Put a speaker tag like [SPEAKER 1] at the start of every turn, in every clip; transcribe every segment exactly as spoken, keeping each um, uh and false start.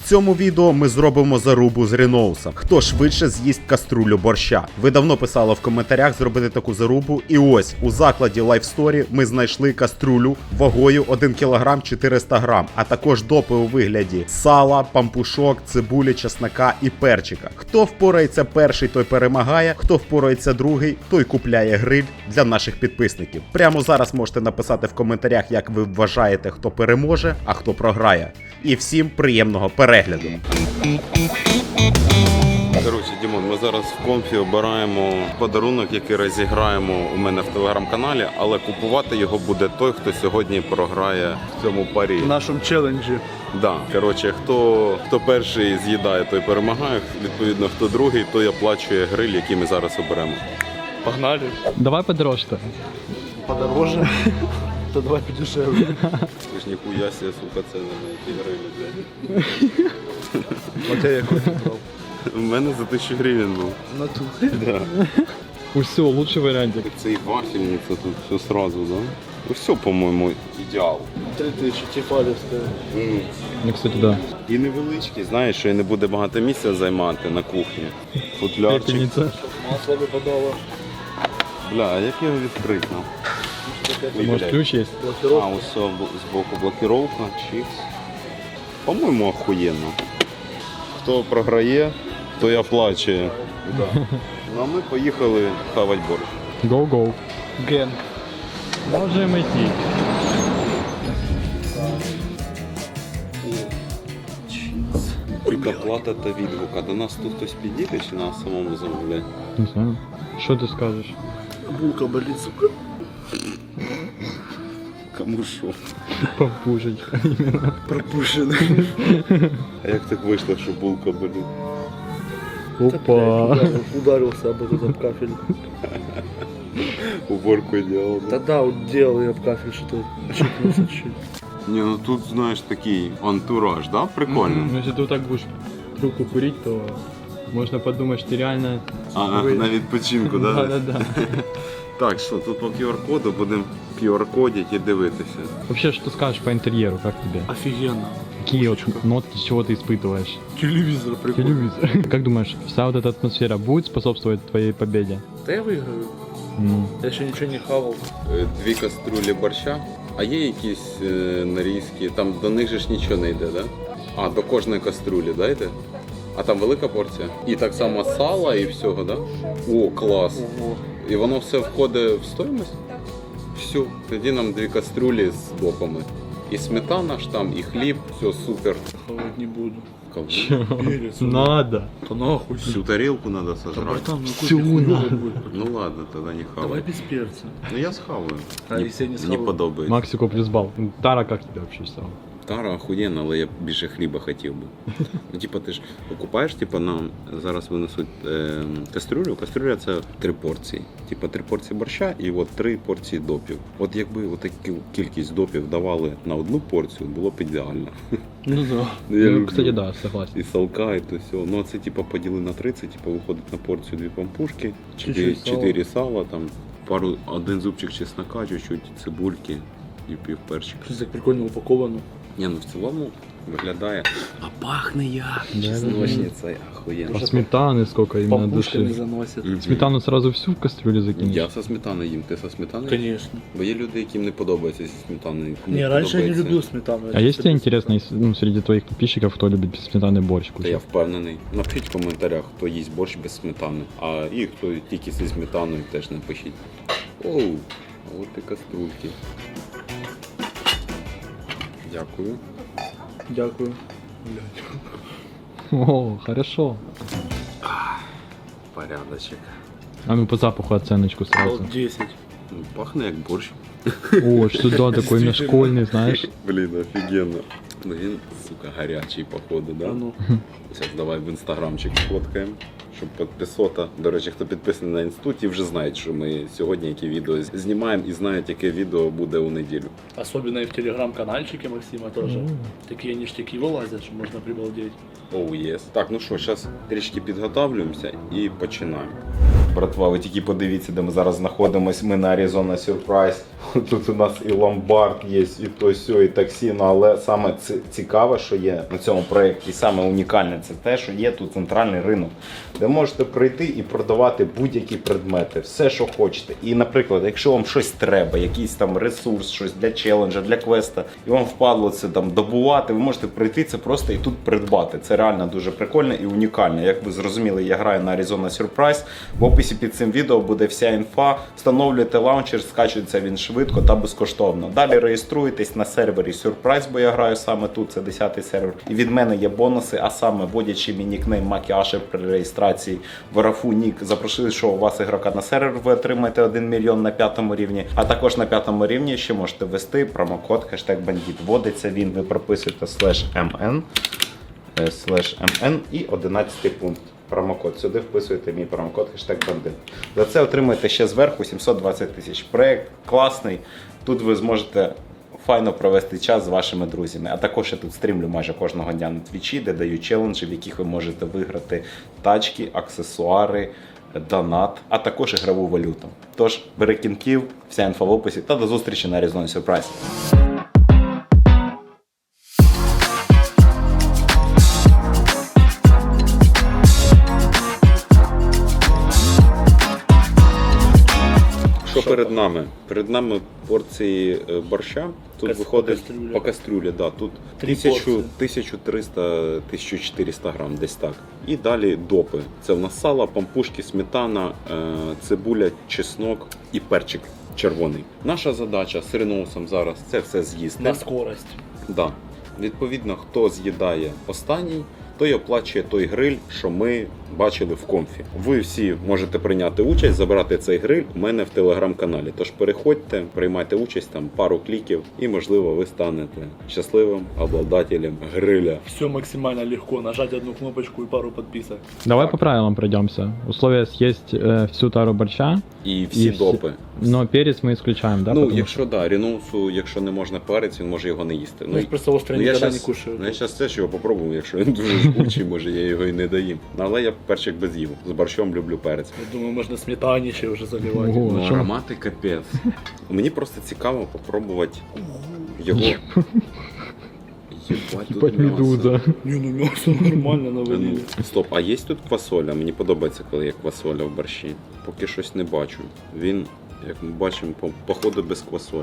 [SPEAKER 1] цьому відео ми зробимо зарубу з Ріноусом. Хто швидше з'їсть каструлю борща. Ви давно писали в коментарях зробити таку зарубу. І ось, у закладі Life Story ми знайшли каструлю вагою один кілограм чотириста грам, а також допи у вигляді сала, пампушок, цибулі, чеснока і перчика. Хто впорається перший, той перемагає, хто впорається другий, той купляє гриль для наших підписників. Прямо зараз можете написати в коментарях, як ви вважаєте, хто переможе, а хто програє. І всім приємного перегляду.
[SPEAKER 2] Коротше, Дімон, ми зараз в Комфі обираємо подарунок, який розіграємо у мене в телеграм-каналі, але купувати його буде той, хто сьогодні програє в цьому парі.
[SPEAKER 3] В нашому челенджі.
[SPEAKER 2] Да. Коротше, хто, хто перший з'їдає, той перемагає. Відповідно, хто другий, той оплачує гриль, який ми зараз оберемо.
[SPEAKER 3] Погнали.
[SPEAKER 4] Давай подорожче.
[SPEAKER 3] Подороже. То давай подешевле.
[SPEAKER 2] Ти ж ніхуя себе, сука, це на які грилі, блядь.
[SPEAKER 3] А тебе який брав?
[SPEAKER 2] У мене за тисячу гривень був.
[SPEAKER 3] На тут.
[SPEAKER 2] Да.
[SPEAKER 4] Все, лучший варіантик.
[SPEAKER 2] Це і вафельниця тут все сразу, да? Ну все, по-моєму, ідеал.
[SPEAKER 3] Три тисячі, тефалівська.
[SPEAKER 2] Mm.
[SPEAKER 4] Ну, кстати, да.
[SPEAKER 2] І невеличкий, знаєш, що і не буде багато місця займати на кухні. Футлярчик.
[SPEAKER 4] Пепельниця.
[SPEAKER 3] Масло випадало.
[SPEAKER 2] Бля, а як його відкрити? Ну? Ой,
[SPEAKER 4] Може
[SPEAKER 2] блядь.
[SPEAKER 4] ключ є?
[SPEAKER 2] А,
[SPEAKER 3] Блокировка.
[SPEAKER 2] ось з боку блокировка, чікс. По-моєму, охуєнно. Хто програє, той оплачує. Да. Ну а ми поїхали хавати борщ.
[SPEAKER 4] Go-go.
[SPEAKER 3] Ген.
[SPEAKER 4] Можемо йти.
[SPEAKER 2] Тільки плата та відгук. А до нас тут хтось підійде чи нас самому замовляє?
[SPEAKER 4] Не знаю. Що ти скажеш?
[SPEAKER 3] Булка болить, сука.
[SPEAKER 2] Кому що?
[SPEAKER 4] Попужить.
[SPEAKER 3] Пропущений.
[SPEAKER 2] А як так вийшло, що булка болить?
[SPEAKER 4] Опа.
[SPEAKER 3] Ударился об этот об кафель.
[SPEAKER 2] Уборку делал, да?
[SPEAKER 3] Да-да, вот делал я об кафель, что-то чикнулся чуть.
[SPEAKER 2] Не, ну тут, знаешь, такий антураж, да? Прикольно.
[SPEAKER 4] Ну, если ты вот так будешь трубку курить, то можно подумать, что ты реально...
[SPEAKER 2] А, на відпочинку, да?
[SPEAKER 4] Да-да-да.
[SPEAKER 2] Так, що, тут по ку ар коду будемо ку ар кодити і дивитися.
[SPEAKER 4] Вообще, что скажешь по интерьеру, как тебе?
[SPEAKER 3] Офигенно.
[SPEAKER 4] Какие вот нотки, чего ты испытываешь?
[SPEAKER 3] Телевизор прикольно.
[SPEAKER 4] Телевизор. Как думаешь, вся вот эта атмосфера будет способствовать твоей победе?
[SPEAKER 3] Да я выиграю.
[SPEAKER 4] Ну,
[SPEAKER 3] Я еще ничего не хавал.
[SPEAKER 2] Е, Дві каструлі борща, а є якісь е, нарізки, там до них же ж нічого не йде, да? А, до кожної каструлі, да, йде? А там велика порція? І так само сала і всього, да? О, клас!
[SPEAKER 3] Ого.
[SPEAKER 2] І воно все входить в стоїмость? Все, тоді нам дві каструлі з допами. І сметана ж там, і хліб, все супер.
[SPEAKER 3] Хавать не буду.
[SPEAKER 2] Ковбу.
[SPEAKER 3] Перец.
[SPEAKER 4] надо.
[SPEAKER 3] Да нахуй.
[SPEAKER 2] Всю тарелку надо
[SPEAKER 3] Да,
[SPEAKER 2] сожрать.
[SPEAKER 3] братан, ну
[SPEAKER 4] Всю
[SPEAKER 3] какой хуёвый
[SPEAKER 4] надо.
[SPEAKER 3] будет.
[SPEAKER 2] Ну ладно, тогда не хавай.
[SPEAKER 3] Давай без перца.
[SPEAKER 2] Ну я схаваю.
[SPEAKER 3] А
[SPEAKER 2] Не-
[SPEAKER 3] если я не
[SPEAKER 2] не
[SPEAKER 3] схаваю?
[SPEAKER 2] подобається.
[SPEAKER 4] Максику плюс балл. Тара, как тебе вообще стало?
[SPEAKER 2] Тара охуєнна, але я більше хліба хотів би. Ну, типа, ти ж покупаєш, типа, нам зараз винесуть е, кастрюлю. Кастрюля це три порції. Типа три порції борща і от три порції допів. От якби от таку кількість допів давали на одну порцію, було б ідеально.
[SPEAKER 4] Ну да.
[SPEAKER 2] Ну, я
[SPEAKER 4] Ну,
[SPEAKER 2] люблю.
[SPEAKER 4] кстати, да, согласен.
[SPEAKER 2] І салка, і то все. Ну, а це типа поділи на тридцять, типа виходить на порцію дві пампушки, чотири,
[SPEAKER 3] Чуть-чуть сала.
[SPEAKER 2] чотири сала, там, пару, один зубчик чеснока, чуть-чуть цибульки і пів перчика.
[SPEAKER 3] Что-то так прикольно упаковано.
[SPEAKER 2] Ні, ну в цілому виглядає. А пахне як!
[SPEAKER 4] Да,
[SPEAKER 2] Чесночниця, охуєнно.
[SPEAKER 4] А сметаны сколько именно
[SPEAKER 3] Пампушками
[SPEAKER 4] души?
[SPEAKER 3] заносят.
[SPEAKER 2] Мгм.
[SPEAKER 4] Сметану сразу всю в кастрюлю закинешь?
[SPEAKER 2] Я со сметаною їм, ти со сметаною?
[SPEAKER 3] Конечно.
[SPEAKER 2] Бо є люди, яким не подобається зі сметаною. кому
[SPEAKER 3] Не, раньше я не
[SPEAKER 2] подобається.
[SPEAKER 3] любил сметану.
[SPEAKER 4] А есть тебе интересно, если, ну, среди твоих подписчиков, кто любит без сметаны борщ
[SPEAKER 2] Та я
[SPEAKER 4] кушать?
[SPEAKER 2] впевнений. Напишіть в коментарях, хто їсть борщ без сметани. А і хто тільки зі сметаною, теж напишіть. Оу, а от і каструльки. Дякую.
[SPEAKER 3] Дякую.
[SPEAKER 4] О, хорошо.
[SPEAKER 2] Порядочок.
[SPEAKER 4] А ну по запаху оценочку сразу.
[SPEAKER 3] Дал десять.
[SPEAKER 2] Ну, пахне як борщ.
[SPEAKER 4] О, что да, такой именно школьный, знаешь.
[SPEAKER 2] Блін, офігенно. Ну він, сука, гарячий, походу, да?
[SPEAKER 3] А ну.
[SPEAKER 2] Зараз давай в інстаграмчик сфоткаємо, щоб підписота. До речі, хто підписаний на інституті, вже знають, що ми сьогодні які відео знімаємо і знають, яке відео буде у неділю.
[SPEAKER 3] Особенно и в телеграм-канальчике Максима тоже. Такие ништяки вылазят, что можно прибалдеть.
[SPEAKER 2] Оу, oh, єс. Так, ну що, зараз трішки підготовлюємося і починаємо.
[SPEAKER 1] братва, ви тільки подивіться, де ми зараз знаходимося. Ми на Arizona Surprise. Тут у нас і ломбард є, і то сьо, і таксі. Ну, але саме ці- цікаве, що є на цьому проєкті, саме унікальне, це те, що є тут центральний ринок, де можете прийти і продавати будь-які предмети, все, що хочете. І, наприклад, якщо вам щось треба, якийсь там ресурс, щось для челенджа, для квеста, і вам впадло це там добувати, ви можете прийти це просто і тут придбати. Це реально дуже прикольно і унікально. Як ви зрозуміли, я граю на Arizona Surprise. В описі під цим відео буде вся інфа. Встановлюєте лаунчер, скачується він швидко та безкоштовно. Далі реєструєтесь на сервері Surprise, бо я граю саме тут, це десятий сервер. І від мене є бонуси, а саме вводячи мій нікнейм Макіаше при реєстрації в Рафу Нік, запрошую, що у вас ігрока на сервер, ви отримаєте один мільйон на п'ятому рівні. А також на п'ятому рівні ще можете ввести промокод хештег бандіт. Вводиться він, ви прописуєте слеш ем ен, слеш ем ен і одинадцятий пункт. Промокод. Сюди вписуєте мій промокод хештег бандит. За це отримаєте ще зверху сімсот двадцять тисяч. Проєкт класний. Тут ви зможете файно провести час з вашими друзями. А також я тут стрімлю майже кожного дня на твічі, де даю челенджі, в яких ви можете виграти тачки, аксесуари, донат, а також ігрову валюту. Тож, бери кінків, вся інфа в описі та до зустрічі на Arizona Surprise.
[SPEAKER 2] Що перед нами? Перед нами порції е, борща. Тут
[SPEAKER 3] Кас-
[SPEAKER 2] виходить
[SPEAKER 3] по кастрюлі.
[SPEAKER 2] по кастрюлі, да. Тут
[SPEAKER 3] Три порції.
[SPEAKER 2] тисяча триста - тисяча чотириста грам, десь так. І далі допи. Це в нас сало, пампушки, сметана, е, цибуля, чеснок і перчик червоний. Наша задача з Реноусом зараз це все з'їсти.
[SPEAKER 3] На скорость.
[SPEAKER 2] Да. Відповідно, хто з'їдає останній, той оплачує той гриль, що ми бачили в конфі. Ви всі можете прийняти участь, забрати цей гриль у мене в телеграм-каналі. Тож переходьте, приймайте участь, там пару кліків, і можливо ви станете щасливим обладателем гриля.
[SPEAKER 3] Все максимально легко. Нажать одну кнопочку и пару подписок.
[SPEAKER 4] Давай по правилам пройдемся. Условие съесть э, всю тару борща,
[SPEAKER 2] І всі
[SPEAKER 4] І всі-
[SPEAKER 2] допи.
[SPEAKER 4] но перец мы исключаем, да?
[SPEAKER 2] ну,
[SPEAKER 4] потому
[SPEAKER 2] якщо да, Реноусу, якщо не можна перець, він може його не їсти.
[SPEAKER 3] Ну, я просто остро
[SPEAKER 2] ну, я
[SPEAKER 3] никогда
[SPEAKER 2] щас,
[SPEAKER 3] не кушаю.
[SPEAKER 2] ну, я зараз теж його попробую, якщо він дуже жгучий, може я його і не доїм. Але я перчик без їв. З борщом люблю перець.
[SPEAKER 3] Я думаю, можно сметанище уже заливать.
[SPEAKER 4] Ого.
[SPEAKER 2] Ну,
[SPEAKER 4] а що?
[SPEAKER 2] аромати капець. Мені просто цікаво попробувати його. Єбать, тут
[SPEAKER 4] Ебать
[SPEAKER 2] м'ясо.
[SPEAKER 4] медуза.
[SPEAKER 3] Не, ну мясо нормально
[SPEAKER 2] Ну,
[SPEAKER 3] навалили.
[SPEAKER 2] стоп, а є тут квасоля? Мені подобається, коли є квасоля в борщі. Поки щось не бачу. Він, як ми бачимо, по- походу без квасолі.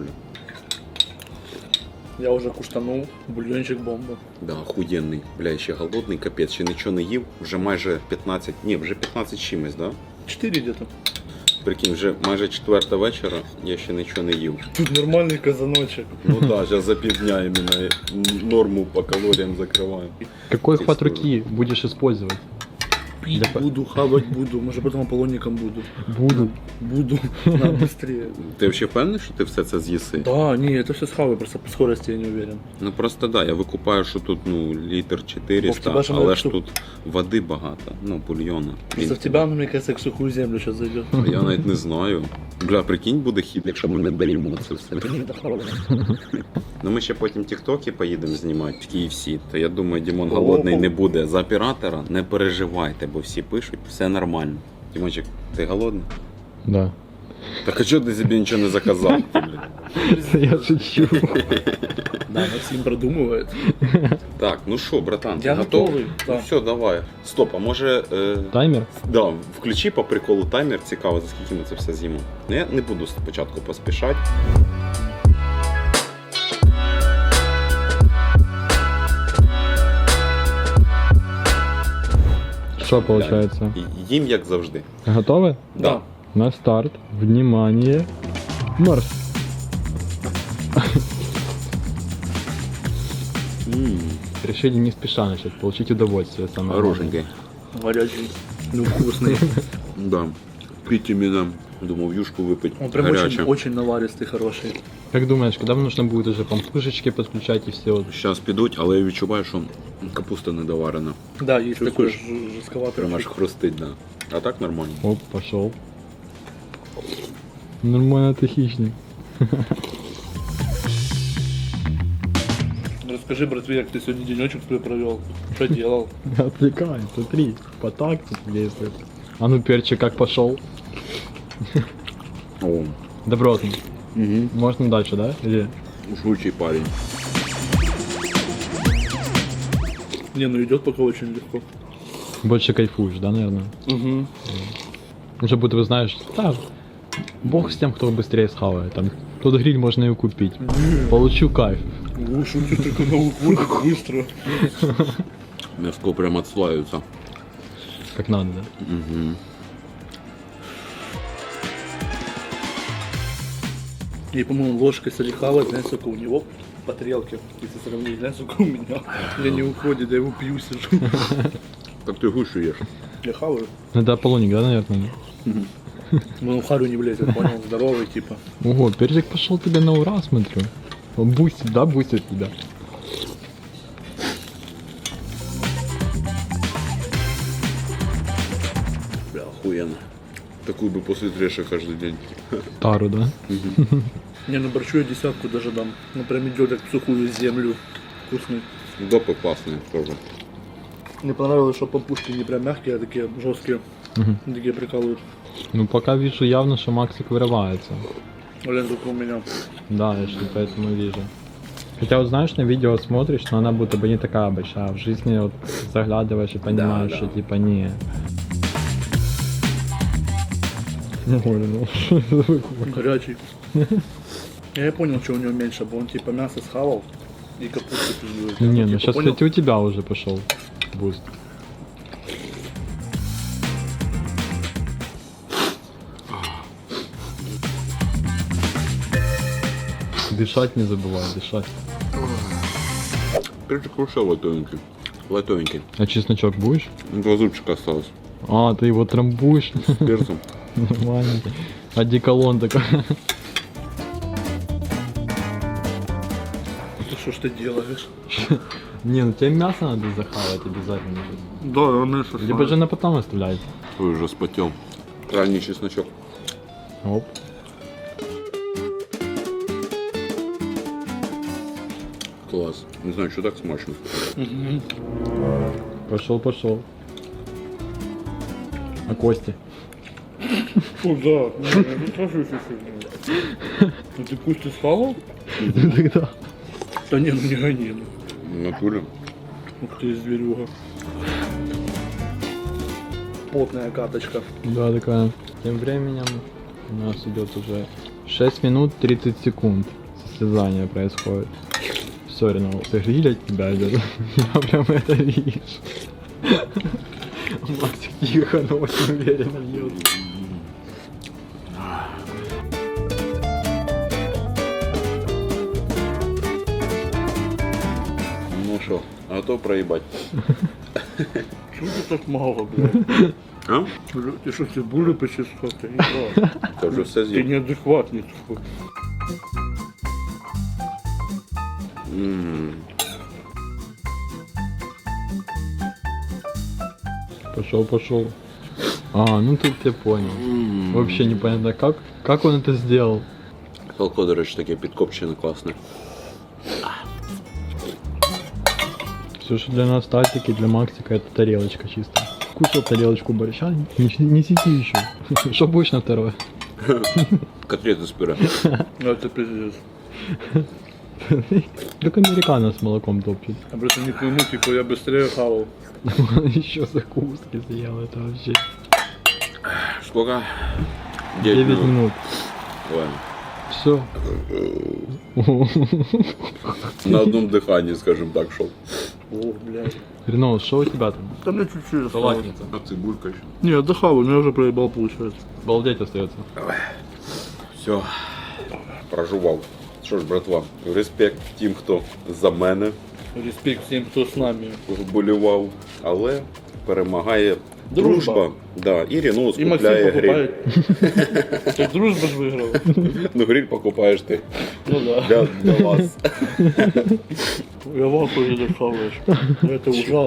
[SPEAKER 3] Я уже куштанул. Бульончик бомба.
[SPEAKER 2] Да, охуєнний. Бля, я ще голодний, капець, ще нічого не їв. Вже майже п'ятнадцять, ні, вже п'ятнадцять чимось, да?
[SPEAKER 3] Четыре где-то.
[SPEAKER 2] Прикинь, вже майже четверта вечора, я ще нічого не їв.
[SPEAKER 3] Тут нормальный казаночек.
[SPEAKER 2] Ну так, да, зараз за півдня іменно норму по калоріям закриваю.
[SPEAKER 4] Какой
[SPEAKER 2] Ты
[SPEAKER 4] хват
[SPEAKER 2] что?
[SPEAKER 4] руки будешь использовать?
[SPEAKER 3] Пить
[SPEAKER 4] Да по-
[SPEAKER 3] буду, хавать буду. Может, потом аполлонником буду.
[SPEAKER 4] Буду.
[SPEAKER 3] Буду. Надо быстрее.
[SPEAKER 2] Ти взагалі впевнений, що ти все це з'їси?
[SPEAKER 3] Да, не, это все схаваю, просто по скорости я не уверен.
[SPEAKER 2] Ну просто да, я викупаю, що тут ну літр
[SPEAKER 3] Вов,
[SPEAKER 2] чотириста,
[SPEAKER 3] тебе ж
[SPEAKER 2] але
[SPEAKER 3] навіть
[SPEAKER 2] ж
[SPEAKER 3] тут-
[SPEAKER 2] тут води багато, ну бульйона.
[SPEAKER 3] Просто в тебя, ну, мне кажется, к сухую землю сейчас зайдет.
[SPEAKER 2] Я навіть не знаю. Бля, прикинь, буде хід, якщо ми не беремо це все. Ну ми ще потім тіктоки поїдемо знімати в кей еф сі. То я думаю, Дімон голодний не буде. За оператора не переживайте, бо всі пишуть, все нормально. Дімончик, ти голодний?
[SPEAKER 4] Да.
[SPEAKER 2] Так а чого ти собі нічого не заказав? Ти, блін?
[SPEAKER 4] Я шучу.
[SPEAKER 3] Да, Максим продумывает.
[SPEAKER 2] Так, ну що, братан, ти
[SPEAKER 3] Я
[SPEAKER 2] готовий?
[SPEAKER 3] готовий,
[SPEAKER 2] Ну
[SPEAKER 3] так.
[SPEAKER 2] все, давай. Стоп, а може. Е...
[SPEAKER 4] Таймер?
[SPEAKER 2] Да, включи по приколу таймер, цікаво, за скільки ми це все з'їмо. Ну, я не буду спочатку поспішати.
[SPEAKER 4] Что получается?
[SPEAKER 2] І- Їм як завжди.
[SPEAKER 4] Готовы?
[SPEAKER 2] Да.
[SPEAKER 4] На старт. Внимание. Марш.
[SPEAKER 2] М,
[SPEAKER 4] Решили не спеша начать, получить удовольствие. Самое главное.
[SPEAKER 2] Хорошенький.
[SPEAKER 3] Горячий. Ну, вкусный.
[SPEAKER 2] Да. Пить іменно. Думав, юшку випить.
[SPEAKER 3] Он прям
[SPEAKER 2] Гаряче.
[SPEAKER 3] очень, очень наваристый, хороший.
[SPEAKER 4] Как думаешь, когда нужно будет уже пампушечки подключать и все? Вот?
[SPEAKER 2] Зараз підуть, але я відчуваю, що капуста недоварена.
[SPEAKER 3] Да, есть такой
[SPEAKER 2] Чувствуешь?
[SPEAKER 3] ж- жестковатый.
[SPEAKER 2] Прямо аж
[SPEAKER 3] вкус.
[SPEAKER 2] хрустить, да. А так нормально.
[SPEAKER 4] Оп, пошел. Нормально ты хищник.
[SPEAKER 3] Расскажи, братве, как ты сегодня денечек свой провел. Что делал?
[SPEAKER 4] Отвлекай, смотри, по такти действует. А ну перчик как пошел?
[SPEAKER 2] О,
[SPEAKER 4] Добротный.
[SPEAKER 2] угу.
[SPEAKER 4] Можно дальше, да? Или...
[SPEAKER 2] Жгучий парень.
[SPEAKER 3] Не, ну идет пока очень легко.
[SPEAKER 4] Больше кайфуешь, да, наверное?
[SPEAKER 3] Угу.
[SPEAKER 4] Уже будто бы знаешь, да, бог с тем, кто быстрее схавает. Там, тот гриль можно и купить. Получу кайф.
[SPEAKER 3] Шутки только на уходит быстро.
[SPEAKER 2] Мяско прям отслаивается.
[SPEAKER 4] Как надо, да?
[SPEAKER 2] Угу.
[SPEAKER 3] И, по-моему, ложкой если хавать, знаешь, сколько у него по тарелке. Если сравнить, знаешь, сколько у меня. Я не уходит, я его пью, сижу.
[SPEAKER 2] Так ты гушу ешь.
[SPEAKER 3] Я хаваю.
[SPEAKER 4] Ну, это Аполлоник, да, наверное?
[SPEAKER 3] Ну, в харю не влезет, понял, здоровый, типа.
[SPEAKER 4] Ого, перчик пошел тебе на ура, смотрю. Он бустит, да, бустит тебя.
[SPEAKER 2] Бля, охуенно. Такую бы после трэша каждый день.
[SPEAKER 4] Тару, да?
[SPEAKER 3] Не, ну борщу я десятку даже дам. Ну, прям идет как в сухую землю. Вкусный.
[SPEAKER 2] Допы классные тоже.
[SPEAKER 3] Мне понравилось, что пампушки не прям мягкие, а такие жесткие.
[SPEAKER 4] Мгм.
[SPEAKER 3] Такие прикалывают.
[SPEAKER 4] Ну, пока вижу явно, что Максик вырывается.
[SPEAKER 3] Блин, только у меня.
[SPEAKER 4] Да, я что поэтому вижу. Хотя вот знаешь, на видео смотришь, но она будто бы не такая большая. В жизни вот заглядываешь и понимаешь,
[SPEAKER 2] да.
[SPEAKER 4] что типа не. Ой, ну что это такое?
[SPEAKER 3] Горячий. Я и понял, что у него меньше, бо он типа мясо схавал и капусту пиздует.
[SPEAKER 4] Не, ну
[SPEAKER 3] типа,
[SPEAKER 4] сейчас,
[SPEAKER 3] понял?
[SPEAKER 4] кстати, у тебя уже пошел буст. Дышать не забывай, дышать.
[SPEAKER 2] Перчик хорошо лайтовенький. Лайтовенький.
[SPEAKER 4] А чесночок будешь?
[SPEAKER 2] Два зубчика осталось.
[SPEAKER 4] А, ты его трамбуешь?
[SPEAKER 2] С перцем.
[SPEAKER 4] Нормально. Одеколон такой.
[SPEAKER 3] Ты что ж ты делаешь?
[SPEAKER 4] Не, ну тебе мясо надо захавать обязательно.
[SPEAKER 3] Да, он мясо
[SPEAKER 4] Либо же на потом оставлять.
[SPEAKER 2] Ой, уже спотел. Крайний чесночок.
[SPEAKER 4] Оп.
[SPEAKER 2] Класс. Не знаю, что так смачно.
[SPEAKER 4] Пошел, пошел. А кости?
[SPEAKER 3] Фу, да. Не, я не скажу, что сегодня. Ну ты кости схавал?
[SPEAKER 4] Тогда.
[SPEAKER 3] Да не, ну не гони. ну.
[SPEAKER 2] В натуре.
[SPEAKER 3] Ух ты, зверюга. Потная каточка.
[SPEAKER 4] Да, такая. Тем временем у нас идет уже шесть минут тридцать секунд. Состязание происходит. Все, Ренал, ты гриль от тебя идет. Я прям это вижу. Максик тихо, но очень уверенно льет.
[SPEAKER 2] Ну что, готов проебать?
[SPEAKER 3] Чего ты так мало, блядь?
[SPEAKER 2] А?
[SPEAKER 3] Ты что, ты були почти сход? Ты не прав.
[SPEAKER 2] Ты уже все
[SPEAKER 3] Ты
[SPEAKER 2] съел.
[SPEAKER 3] неадекватный такой.
[SPEAKER 2] М.
[SPEAKER 4] Пошел, пошел. А, ну тут я понял. Вообще непонятно, как, как он это сделал.
[SPEAKER 2] Салко, до речі, таке підкопчене, класне.
[SPEAKER 4] Все, что для нас татики, для Максика это тарелочка чисто. Кушал тарелочку борща, не, не сети еще. Что будешь на второе?
[SPEAKER 2] Котлети з пюре.
[SPEAKER 3] Ну это пиздец.
[SPEAKER 4] Только американо с молоком топчет.
[SPEAKER 3] Я просто не пойму, типа я быстрее хавал.
[SPEAKER 4] Еще закуски съел, это вообще.
[SPEAKER 2] Сколько?
[SPEAKER 4] девять минут.
[SPEAKER 2] Ладно.
[SPEAKER 4] Все.
[SPEAKER 2] На одном диханні, скажем так, шов.
[SPEAKER 3] О, блядь.
[SPEAKER 4] Ренол, что у тебя там?
[SPEAKER 3] Да мне чуть-чуть осталось.
[SPEAKER 4] Салатница.
[SPEAKER 2] А цибулька ще.
[SPEAKER 3] Не, отдыхал, у меня уже проебал получается.
[SPEAKER 4] Балдеть остается.
[SPEAKER 2] Все. Прожував. Що ж, братва, респект тим, хто за мене
[SPEAKER 3] Респект всем, кто с нами.
[SPEAKER 2] вболівав, але перемагає дружба.
[SPEAKER 3] Дружба.
[SPEAKER 2] Да, і Рено
[SPEAKER 3] И Максим
[SPEAKER 2] скупляє гриль.
[SPEAKER 3] покупает. Так дружба ж выиграл.
[SPEAKER 2] Ну гриль покупаєш ти
[SPEAKER 3] Ну да.
[SPEAKER 2] для, для вас.
[SPEAKER 3] Я в ахуе, когда хаваешь. Это ужасно.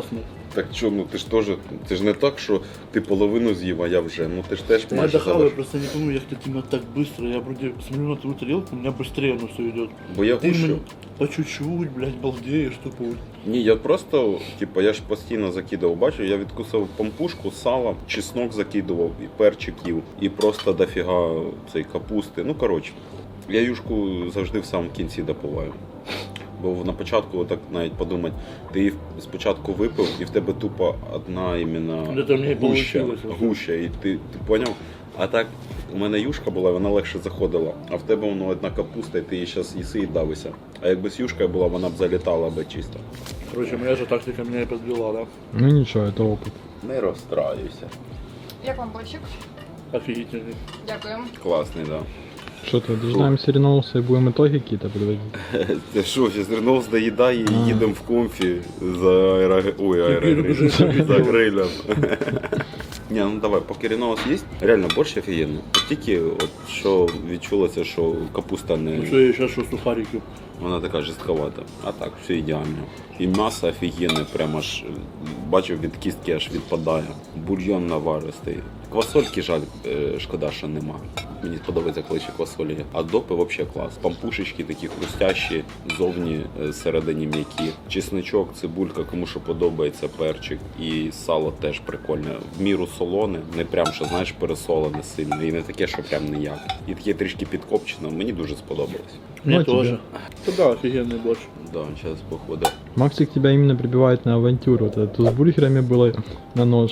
[SPEAKER 2] Так що, ну ти ж теж, це ж не так, що ти половину з'їв, а я вже. Ну ти ж теж
[SPEAKER 3] Я
[SPEAKER 2] майже
[SPEAKER 3] дохаваю,
[SPEAKER 2] залиш.
[SPEAKER 3] просто не помню, як ти именно так быстро. Я вроде смотрю на твою тарелку, у меня быстрее оно все идет.
[SPEAKER 2] Бо я
[SPEAKER 3] Ты
[SPEAKER 2] гущу.
[SPEAKER 3] именно по чуть-чуть, блядь, балдеешь тупо.
[SPEAKER 2] Ні, я просто, типу, я ж постійно закидував, бачу, я відкусив пампушку, сало, чеснок закидував, і перчик їв, і просто дофіга цей капусти. Ну, коротше, я юшку завжди в самому кінці допиваю. Бо на початку, так навіть подумати, ти її спочатку випив, і в тебе тупо одна іменно
[SPEAKER 3] Это мне и
[SPEAKER 2] гуща,
[SPEAKER 3] получилось.
[SPEAKER 2] гуща, і ти, ти поняв? А так, у мене юшка була, вона легше заходила, а в тебе воно одна капуста, і ти її зараз їси і давишся. А якби з юшкою була, вона б залітала би чисто.
[SPEAKER 3] Короче, моя же тактика меня и подвела, да?
[SPEAKER 4] Ну ничего, это опыт.
[SPEAKER 2] Не розстраюйся.
[SPEAKER 5] Як вам борщик?
[SPEAKER 3] Офигительный.
[SPEAKER 5] Дякуємо.
[SPEAKER 2] Класний, да.
[SPEAKER 4] Что-то дожинаемся Реноуса и будем итоги какие-то подводить.
[SPEAKER 2] Це що, ще Зернов доїдає і
[SPEAKER 4] А.
[SPEAKER 2] їдемо в комфі за аеро... Ой, аерогриль.
[SPEAKER 3] Вже собі
[SPEAKER 2] за
[SPEAKER 3] діло.
[SPEAKER 2] грилем. Ні, ну давай, поки Реноус є, реально борщ офігенний. От тільки от, що відчулося, що капуста
[SPEAKER 3] Ну
[SPEAKER 2] не...
[SPEAKER 3] что, я сейчас что, сухарики?
[SPEAKER 2] Вона така жорстковата. А так, все ідеально. І м'ясо офігенне, прямо аж бачив від кістки аж відпадає. Бульйон наваристий. Квасольки жаль, е, шкода, що нема. Мені подобається, коли ще квасолі є. А допи взагалі клас. Пампушечки такі хрустящі, зовні е, всередині м'які. Чесничок, цибулька, кому що подобається, перчик. І сало теж прикольне. В міру солоне, не прям, що знаєш, пересолене сильно. І не таке, що прям ніяк. І таке трішки підкопчено. Мені дуже сподобалось.
[SPEAKER 3] Мне
[SPEAKER 4] Ну,
[SPEAKER 3] тоже.
[SPEAKER 4] тебе.
[SPEAKER 3] Ну да, офигенный борщ.
[SPEAKER 2] Да, зараз походу.
[SPEAKER 4] Максик тебя именно прибивает на авантюру. Вот это с бургерами было на нож.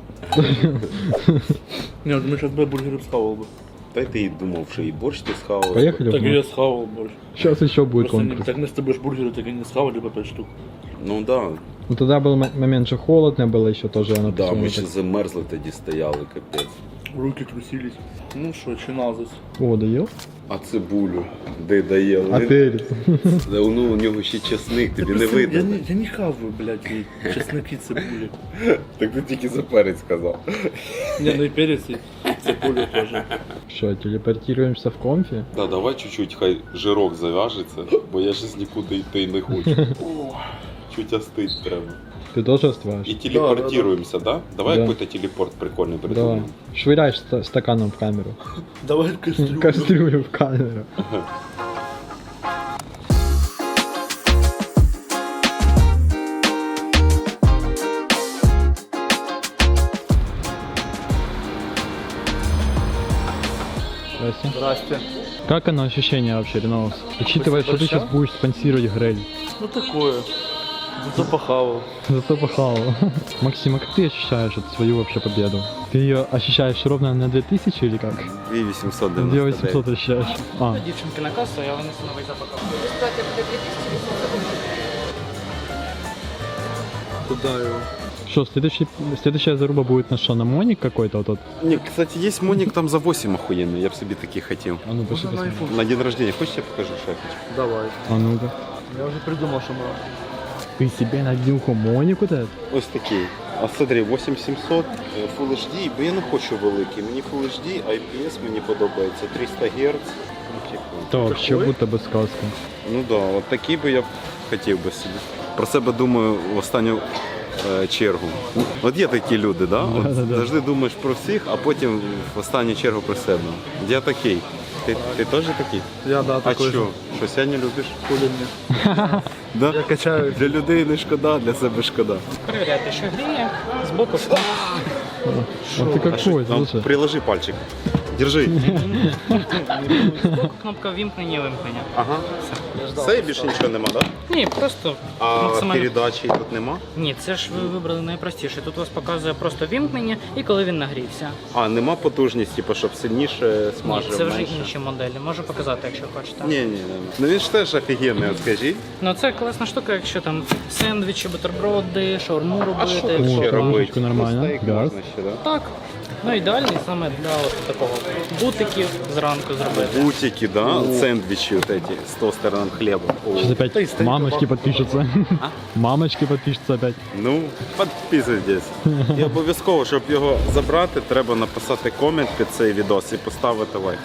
[SPEAKER 3] Не, вот мы сейчас бы бургеры схавал бы.
[SPEAKER 2] Та й ти і думав, що і борщ ти схавав.
[SPEAKER 4] Поехали в
[SPEAKER 3] Так и
[SPEAKER 4] Мак.
[SPEAKER 3] я схавал борщ.
[SPEAKER 4] Сейчас еще будет
[SPEAKER 3] Просто не-
[SPEAKER 4] конкурс.
[SPEAKER 3] так мы с тобой ж бургеры так и не схавали по пять штук.
[SPEAKER 2] Ну да,
[SPEAKER 4] Ну тогда был м- момент, что холодно было еще тоже. Оно
[SPEAKER 2] да, ми
[SPEAKER 4] посунуло
[SPEAKER 2] ще
[SPEAKER 4] так.
[SPEAKER 2] замерзли тоді стояли, капець.
[SPEAKER 3] Руки трусились. Ну что, чиназис.
[SPEAKER 4] О, доел?
[SPEAKER 2] А цибулю, де дає?
[SPEAKER 4] А перец?
[SPEAKER 2] Ну, у нього ще чесник, тобі не
[SPEAKER 3] Я
[SPEAKER 2] видно.
[SPEAKER 3] не, я не хаваю, блядь, и чесноки, цибули.
[SPEAKER 2] Так ти тільки за перець сказав.
[SPEAKER 3] Не, ну и перец, и цибуля тоже.
[SPEAKER 4] Что, телепортируемся в конфи?
[SPEAKER 2] Да, давай чуть-чуть, хай жирок зав'яжеться, бо я щось нікуди йти не хочу. Чуть остить треба.
[SPEAKER 4] Ты тоже остываешь?
[SPEAKER 2] І телепортируємося, да? Давай
[SPEAKER 4] Да.
[SPEAKER 2] якийсь телепорт прикольний
[SPEAKER 4] Давай.
[SPEAKER 2] придумаємо.
[SPEAKER 4] Швыряешь ста- стаканом в камеру.
[SPEAKER 3] Давай кастрюлю.
[SPEAKER 4] Кастрюлю в камеру. Здрасте.
[SPEAKER 3] Здрасте.
[SPEAKER 4] Как оно ощущение вообще, Реноус? Учитывая, что ты
[SPEAKER 3] борща?
[SPEAKER 4] сейчас будешь спонсировать гриль.
[SPEAKER 3] Ну такое. Зато похавал.
[SPEAKER 4] Зато похавал. Максим, а как ты ощущаешь эту свою вообще победу? Ты ее ощущаешь ровно на две тысячи или как?
[SPEAKER 2] дві вісімсот
[SPEAKER 4] две восемьсот ощущаешь? А,
[SPEAKER 6] Дівчинки на касу, я винесу новий запаков.
[SPEAKER 5] Результати буде дві тисячі вісімсот.
[SPEAKER 3] Куда его?
[SPEAKER 4] что, следующий, следующая заруба будет на что, на Моник какой-то вот тот?
[SPEAKER 2] Ні, кстати, є монік там за вісім охуєнний, я б собі такий хотів.
[SPEAKER 4] А ну пошли
[SPEAKER 3] Можно на
[SPEAKER 4] посмотрим.
[SPEAKER 3] iPhone?
[SPEAKER 2] На день рождения, хочешь я покажу шефич?
[SPEAKER 3] Давай.
[SPEAKER 4] А ну-ка.
[SPEAKER 3] Я уже придумал, что мы...
[SPEAKER 4] Ты себе надел Моник вот этот?
[SPEAKER 2] Ось такий. А смотри, вісім сімсот, е, Full ейч ді, бо я не хочу великий. Мені Full ейч ді, ай пі ес мені подобається, триста герц. Ну, типу.
[SPEAKER 4] Это вообще
[SPEAKER 3] Какой?
[SPEAKER 4] будто бы сказка.
[SPEAKER 2] Ну да, от такий би я б хотів би собі. Про себе думаю в останню е, чергу. От є такі люди, да? От
[SPEAKER 4] Да-да-да.
[SPEAKER 2] завжди думаєш про всіх, а потім в останню чергу про себе. Я такий. Ти, ти теж такий?
[SPEAKER 3] Я, да,
[SPEAKER 2] А
[SPEAKER 3] такой
[SPEAKER 2] що?
[SPEAKER 3] же.
[SPEAKER 2] Що сьогодні любиш?
[SPEAKER 3] Хули мне.
[SPEAKER 2] Да?
[SPEAKER 3] Я качаю.
[SPEAKER 2] Для людей не шкода, для себе шкода.
[SPEAKER 6] Перевіряйте, що гріє, збоку що.
[SPEAKER 4] А ты
[SPEAKER 2] А
[SPEAKER 4] какой,
[SPEAKER 2] що, там,
[SPEAKER 4] слушай?
[SPEAKER 2] приложи пальчик. Держи.
[SPEAKER 6] Збоку кнопка вімкнення, вимкнення.
[SPEAKER 2] Ага. Все, і більше нічого нема, так? Да?
[SPEAKER 6] Ні, просто
[SPEAKER 2] А
[SPEAKER 6] максимально.
[SPEAKER 2] передачі тут нема?
[SPEAKER 6] Ні, це ж ви вибрали найпростіше. Тут у вас показує просто вімкнення і коли він нагрівся.
[SPEAKER 2] А, нема потужності, типу, щоб сильніше
[SPEAKER 6] Ні,
[SPEAKER 2] смажив,
[SPEAKER 6] це вже
[SPEAKER 2] менше?
[SPEAKER 6] інші моделі. Можу показати, якщо хочете.
[SPEAKER 2] Ні, ні, ні. Ну він ж теж офігенний, от скажіть.
[SPEAKER 6] Ну це класна штука, якщо там сендвічі, бутерброди, шаурму
[SPEAKER 2] А що
[SPEAKER 6] робити.
[SPEAKER 2] тут ще
[SPEAKER 4] О,
[SPEAKER 2] робити?
[SPEAKER 4] картошечку нормально,
[SPEAKER 2] Ну, стейк
[SPEAKER 4] газ.
[SPEAKER 2] можна ще, да?
[SPEAKER 6] Так. Ну ідеальний саме для от такого бутиків зранку зробити.
[SPEAKER 2] Бутики, да? Сендвічі от эти з тостерним хлібом. О.
[SPEAKER 4] Сейчас опять мамочки подпишутся. Мамочки подпишутся опять.
[SPEAKER 2] Ну, підписуйтесь. І обов'язково, щоб його забрати, треба написати комент під цей відос і поставити лайк.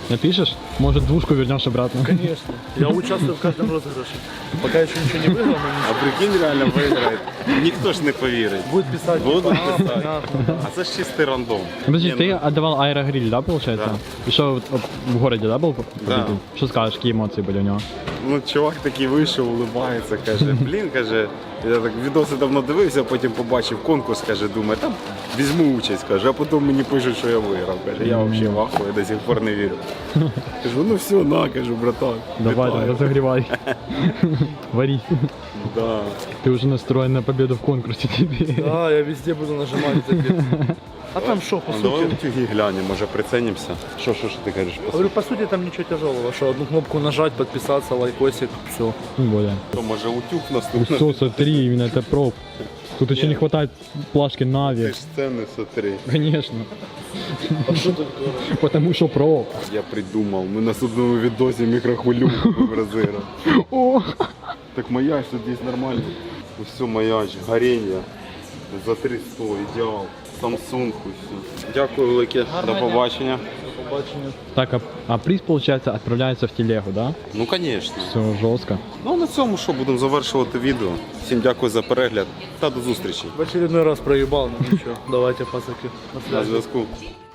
[SPEAKER 4] Напишешь? Может, двушку вернешь обратно?
[SPEAKER 3] Конечно. Я участвую в каждом розыгрыше. Пока еще ничего не выиграл, но
[SPEAKER 2] А прикинь, реально виграє. Ніхто ж не повірить.
[SPEAKER 3] будет писать.
[SPEAKER 2] Будут
[SPEAKER 3] типа, а,
[SPEAKER 2] писать.
[SPEAKER 3] понятно.
[SPEAKER 2] А це ж чистий рандом.
[SPEAKER 4] Подожди,
[SPEAKER 2] Ні,
[SPEAKER 4] ты отдавал аэрогриль, да, получается?
[SPEAKER 2] Да.
[SPEAKER 4] Еще вот, вот в городе, да, был?
[SPEAKER 2] Да.
[SPEAKER 4] победитель? Что скажешь, какие эмоции были у него?
[SPEAKER 2] Ну, чувак такий вийшов, улибається, каже, блін, каже, я так відоси давно дивився, потім побачив конкурс, каже, думаю, там візьму участь, каже, а потім мені пишуть, що я виграв. Каже, я взагалі в ахуї, до сих пор не вірю. Кажу, ну все, на, кажу, братан.
[SPEAKER 4] Давай,
[SPEAKER 2] вітаю.
[SPEAKER 4] там, разогревай. Вари.
[SPEAKER 2] Да.
[SPEAKER 4] Ты уже настроен на победу в конкурсе теперь.
[SPEAKER 3] Да, я везде буду нажимать запись. А там что, по
[SPEAKER 2] Ну, давай
[SPEAKER 3] сути?
[SPEAKER 2] утюги глянемо, може приценімося. Що, що, що ти кажеш?
[SPEAKER 3] Говорю, по сути там ничего тяжелого, что одну кнопку нажать, подписаться, лайкосик, все.
[SPEAKER 4] Тем более.
[SPEAKER 2] Що, може утюг наступний?
[SPEAKER 4] Все, смотри, именно это про. Тут еще не хватает плашки
[SPEAKER 2] Ти
[SPEAKER 4] Нави.
[SPEAKER 2] ж це не смотри.
[SPEAKER 4] Конечно. Потому что про.
[SPEAKER 2] Я придумав, ми на судному відосі мікрохвильовку будемо розіграти.
[SPEAKER 4] О!
[SPEAKER 2] Так маяч тут є нормально. Все, маяч, горіння. За триста, ідеал. Samsung, все. Дякую велике, до побачення.
[SPEAKER 4] Так, а, а приз, получается, отправляется в телегу, да?
[SPEAKER 2] Ну, звісно.
[SPEAKER 4] Все жестко.
[SPEAKER 2] Ну, на цьому що, будемо завершувати відео. Всім дякую за перегляд та до зустрічі.
[SPEAKER 3] В очередной раз проебал, но ничего. Давайте, пацаки. На
[SPEAKER 2] На
[SPEAKER 3] связи.
[SPEAKER 2] зв'язку.